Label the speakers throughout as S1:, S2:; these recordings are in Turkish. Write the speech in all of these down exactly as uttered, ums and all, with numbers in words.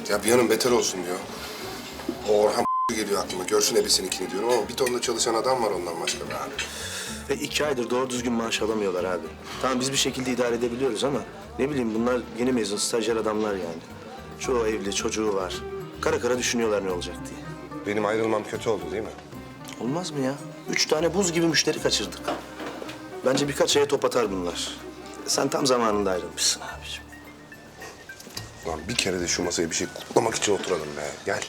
S1: Ya bir yanım beter olsun diyor. O Orhan geliyor aklıma. Görsün ebesininkini diyorum ama bir tonla çalışan adam var ondan başka be abi.
S2: Ve iki aydır doğru düzgün maaş alamıyorlar abi. Tamam biz bir şekilde idare edebiliyoruz ama ne bileyim bunlar yeni mezun stajyer adamlar yani. Çoğu evli, çocuğu var. Kara kara düşünüyorlar ne olacak diye.
S1: Benim ayrılmam kötü oldu değil mi?
S2: Olmaz mı ya? Üç tane buz gibi müşteri kaçırdık. Bence birkaç aya top atar bunlar. Sen tam zamanında ayrılmışsın abiciğim.
S1: Ulan bir kere de şu masaya bir şey kutlamak için oturalım be. Gel.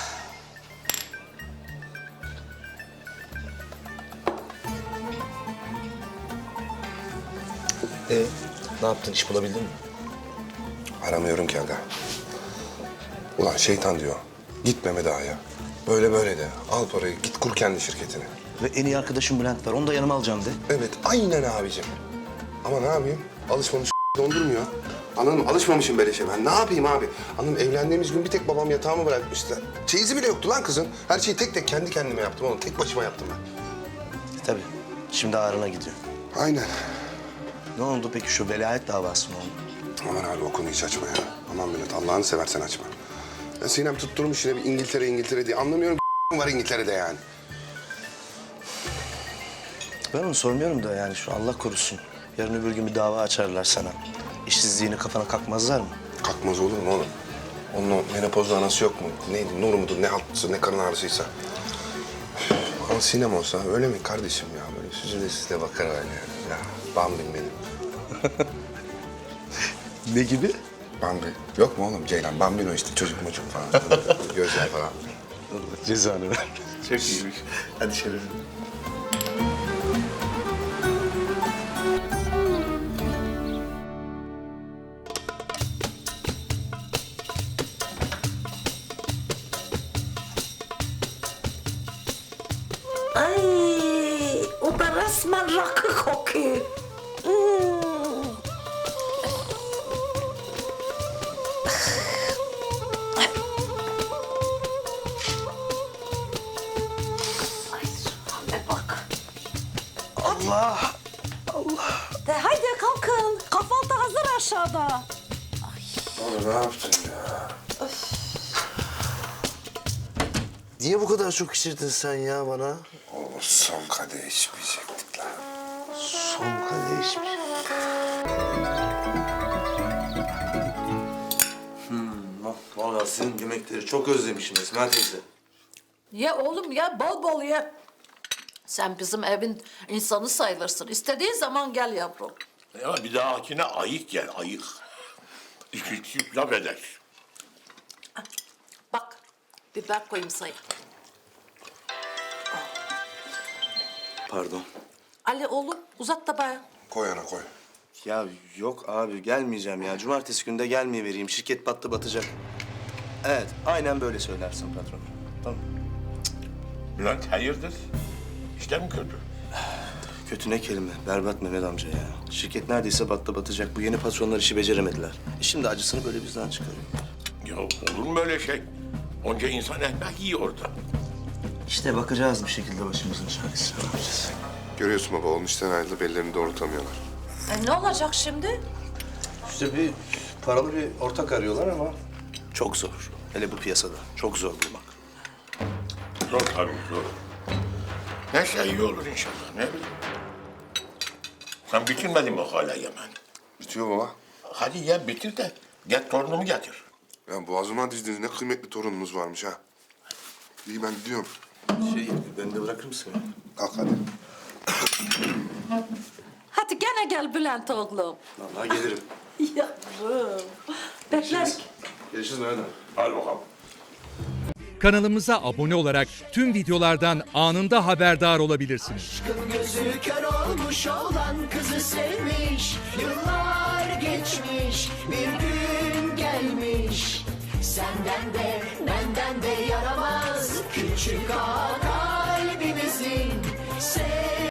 S2: Ee, ne yaptın? İş bulabildin mi?
S1: Aramıyorum ki aga. Ulan şeytan diyor. Git Mehmet Ağa'ya. Böyle böyle de. Al parayı git kur kendi şirketini.
S2: Ve en iyi arkadaşım Bülent var. Onu da yanıma alacağım de.
S1: Evet aynen abicim. Ama ne yapayım? Alışmamış dondurmuyor. Anladın mı? Alışmamışım beleşe ben. Ne yapayım abi? Anladın mı? Evlendiğimiz gün bir tek babam yatağımı bırakmıştı. Çeyizi bile yoktu lan kızın. Her şeyi tek tek kendi kendime yaptım oğlum. Tek başıma yaptım ben.
S2: Tabii. Şimdi ağrına gidiyor.
S1: Aynen.
S2: Ne oldu peki şu velayet davası mı oldu?
S1: Aman abi o konuyu hiç açma ya. Aman Bülent Allah'ını seversen açma. Ya Sinem tutturmuş yine bir İngiltere İngiltere diye. Anlamıyorum var İngiltere'de yani.
S2: Ben onu sormuyorum da yani şu Allah korusun. Yarın öbür gün bir dava açarlar sana. İşsizliğini kafana kakmazlar mı?
S1: Kalkmaz olur mu oğlum? Onun o menopozlu anası yok mu? Neydi? Nur mudur? Ne haltısı, ne karın ağrısıysa. Üf, ama Sinem olsa öyle mi kardeşim ya? Böyle süzüle süzüle bakar öyle. Ya Bambi'm benim.
S2: Ne gibi?
S1: Bambi. Yok mu oğlum Ceylan? Bambino işte çocuk mucuk falan. Gözler falan.
S2: Allah cezanı ver. Çok iyiymiş. Hadi şerefim.
S3: Ay, o da resmen rakı kokuyor. Hmm. Ay, hale bak.
S2: Allah!
S3: De haydi kalkın. Kahvaltı hazır aşağıda.
S1: Oğlum ne yaptın ya?
S2: Niye bu kadar çok içirdin sen ya bana?
S1: Oğlum son kadeh içmeyecektik lan.
S2: Son kadeh içmiş. Hmm, vallahi sizin yemekleri çok özlemişim Esma teyze.
S3: Ye oğlum ye, bol bol ye. Sen bizim evin insanı sayılırsın. İstediğin zaman gel yavrum.
S4: Ya bir dahakine ayık gel, ayık. İki çift laf eder.
S3: Bak, biber koyayım sana.
S2: Pardon.
S3: Ali oğlum, uzat tabağı.
S1: Koy ana koy.
S2: Ya yok abi gelmeyeceğim ya. Cumartesi günde gelmeye vereyim. Şirket battı batacak. Evet aynen böyle söylersin patron. Tamam.
S4: Bülent hayırdır? İşte mi kötü?
S2: Kötü ne kelime. Berbat Mehmet amca ya. Şirket neredeyse battı batacak. Bu yeni patronlar işi beceremediler. E şimdi acısını böyle bizden çıkarıyor.
S4: Ya olur mu öyle şey? Onca insan ekmek yiyor orada.
S2: İşte bakacağız bir şekilde başımızın çaresine. Ne yapacağız?
S1: Görüyorsun baba oğlum işten ayrılıp ellerini doğrultamıyorlar.
S3: E ne olacak şimdi?
S2: İşte bir paralı bir ortak arıyorlar ama çok zor. Hele bu piyasada. Çok zor bulmak.
S4: Zor tabii zor. Neyse iyi olur inşallah ne bileyim. Sen bitirmedin mi hala yemen?
S1: Bitiyor baba.
S4: Hadi ye bitir de get torunumu getir.
S1: Ya boğazıma dizdiniz ne kıymetli torununuz varmış ha. İyi ben gidiyorum.
S2: Şey, beni de bırakır mısın ya?
S1: Kalk hadi.
S3: Hadi gene gel Bülent oğlum.
S2: Vallahi gelirim.
S3: Yavrum. Bekler.
S2: Görüşürüz Mehmet abi.
S4: Hadi bakalım.
S5: Kanalımıza abone olarak tüm videolardan anında haberdar olabilirsiniz.
S6: Aşkın gözü kör olmuş olan kızı sevmiş. Yıllar geçmiş bir gün gelmiş. Senden de benden de yaramaz küçük ağa kalbimizin.